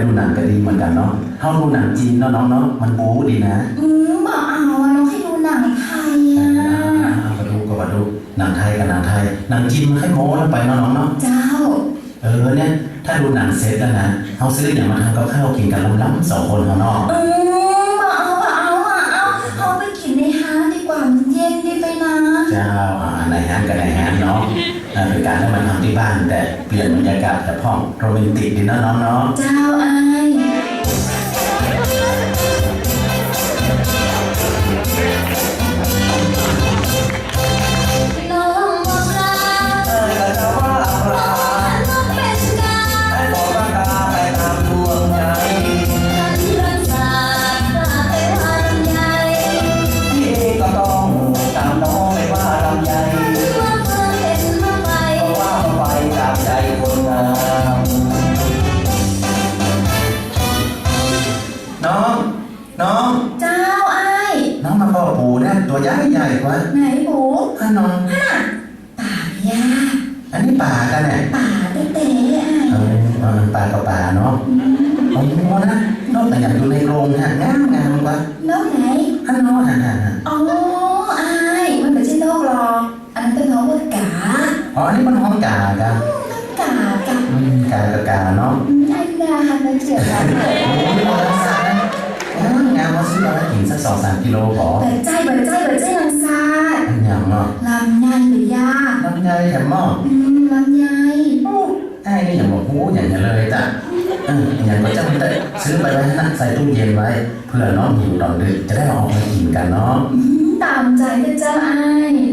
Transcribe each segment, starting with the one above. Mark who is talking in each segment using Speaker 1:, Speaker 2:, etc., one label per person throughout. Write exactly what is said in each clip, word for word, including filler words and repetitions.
Speaker 1: หนังก็ดีเหมือนกันเนาะเขาดูหนังจีนเนาะน้องเนาะมันบู๊ดีนะ
Speaker 2: อืมบอกเอาอะน้องให้ดูหนังไทยอ่ะ
Speaker 1: มาดูก็มาดูหนังไทยกับหนังไทยหนังจีนมันให้โม้แล้วไปเนาะน้องเนาะ
Speaker 2: เจ้า
Speaker 1: เออเนี่ยถ้าดูหนังเสร็จแล้วนะเขาซื้ออย่างมาทำกับข้าวกินกันล้ำๆสองคนเขาเนาะ
Speaker 2: อืมบอกเอาบอกเอาอ่ะเอาเขาไปกินในห้างดีกว่ามันเย็นดีไปนะ
Speaker 1: เจ้าในห้างกับในห้างเนาะเป็นการได้มาทำที่บ้านแต่เปลี่ยนบรรยากาศแต่ห้องโรแมนติกดีนะน้องเนาะ
Speaker 2: เจ้าไอ้
Speaker 1: น้องน้อง
Speaker 2: เจ้าไอ้
Speaker 1: น้องมาพ่อปูนะตัวใหญ่ใหญ่กว่า
Speaker 2: ไหนปู
Speaker 1: ฮะน้อง
Speaker 2: ฮะป่าย่า
Speaker 1: อันนี้ป่ากันเนี่ย
Speaker 2: ป่าเต้เต้ไอ้
Speaker 1: เออป่ากับป่าเนาะโอ้โหนะนกแต่อยากอยู่ในโรงฮะงามงามกว่าน
Speaker 2: กไหน
Speaker 1: ฮะน้องฮะฮะ
Speaker 2: อ๋อไอ้มันไม่ใช่นกหรอกอันนั้นเป็นน้องว่ากา
Speaker 1: อ๋ออันนี้มันห้องกากัน
Speaker 2: กากับ
Speaker 1: กากับกาเนาะ
Speaker 2: ไอ้กามันเฉียบกัน
Speaker 1: โอ้ยมอเตอร์ไซค์งานว่าซื้อมากินสักสองสามกิโลพอ
Speaker 2: แต่ใจเปิดใจเปิดใจลังซา
Speaker 1: อันยังเนาะ
Speaker 2: ลำไยหรือยา
Speaker 1: ลำไยแถมหม้อ
Speaker 2: อืมลำไย
Speaker 1: ไอ้นี่อย่างบอกหูอย่างนี้เลยจ้ะเอออย่างก็จะแต่ซื้อไปไว้นะใส่ตู้เย็นไว้เพื่อน้องหิวตอนดึกจะได้ออกมากินกันเนาะ
Speaker 2: ตามใจนะเจ้าไอ้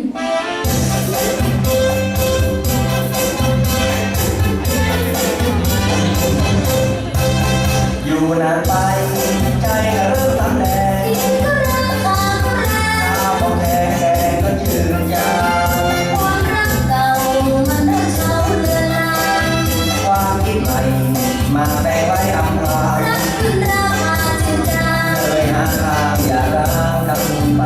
Speaker 1: อยู่นานไปใจก็เริ่มทำแดง
Speaker 2: ก็เริ่มตาก็แรง
Speaker 1: ตาพอแดงแดงก็ยืนยาว
Speaker 2: ความรักเก่ามันเริ่มเฉาเลือนลาง
Speaker 1: ความคิดใหม่มาแปลงไว้อำลา
Speaker 2: รักขึ้นรามาจริงจัง
Speaker 1: เลยหาทางอย่าร้าวทำไป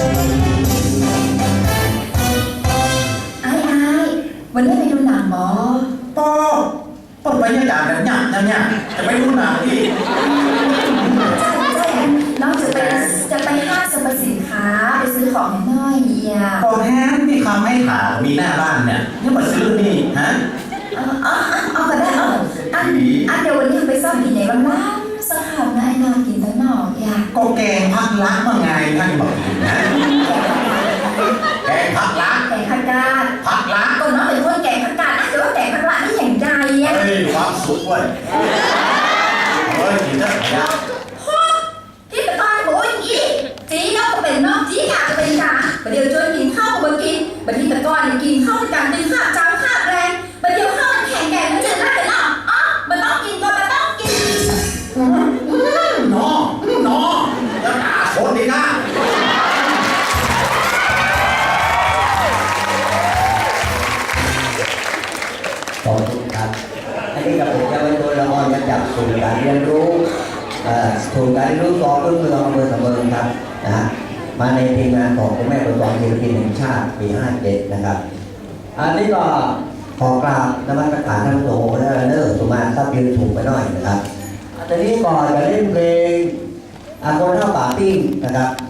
Speaker 2: ไอ้ไอ้วันนี้ไปดูหนังบอ
Speaker 1: ปอปอบรรยากาศแบบหยับหยับจะไปดูหนังอีก
Speaker 2: ใช่ใช่น้องจะไปจะไปห้างสรรพสินค้าไปซื้อของน้อยเอีย
Speaker 1: ก็แท้มีคำให้ถามมีหน้าบ้านเนี่ยนี่มาซื้อนี่ฮะ
Speaker 2: เอาเอาเอาก็ได้เอาอันอันเดี๋ยววันนี้ไปซ่อมกินไหนบ้างล่ะสหายนายนากินตั้งนอกอยาก
Speaker 1: ก็แกงผักลักว่าไงท่านบอกนะแกงผักลัก
Speaker 2: แกงผักกาด
Speaker 1: ผักลัก
Speaker 2: ก็น้องเป็นคนแกงผักกาดแต่ว่าแกงผักลักนี่อย่างใจอ่ะ
Speaker 1: เฮ้ยความสุขเว้ยเฮ้ยกินได้ไหม
Speaker 2: ที่ตะกอนโอ้ยอีจีน้องก็เป็นน้องจีกาก็เป็นกาประเดี๋ยวชวนกินข้าวก็มากินบัดที่ตะกอนกินข้าวกันเป็นข้าวจำข้าวแรงบัดเดี๋ยวข้าวมันแข็งแกร่งมันจะได้เป็นอ่ะอ๋อมันต้องกินก็มันต้องกิน
Speaker 1: น้องน้องจะด่าคนดีนะ
Speaker 3: ขอบคุณครับอันนี้กับผมจะเป็นตัวละครมาจากศูนย์การเรียนรู้ศูนย์การเรียนรู้กองรุ่นเมืองอำเภอสำเริงครับนะฮะมาในทีมงานของคุณแม่ประกอบศิลปินแห่งชาติปีห้าเจ็ดนะครับอันนี้ก็ขอกราบนมัสการท่านผู้ชมและเนอร์สุมาถ้ายืนถูกไปหน่อยนะครับอันนี้ก่อนจะเล่นเพลงอาโกนเท่าป่าปิ้งนะครับ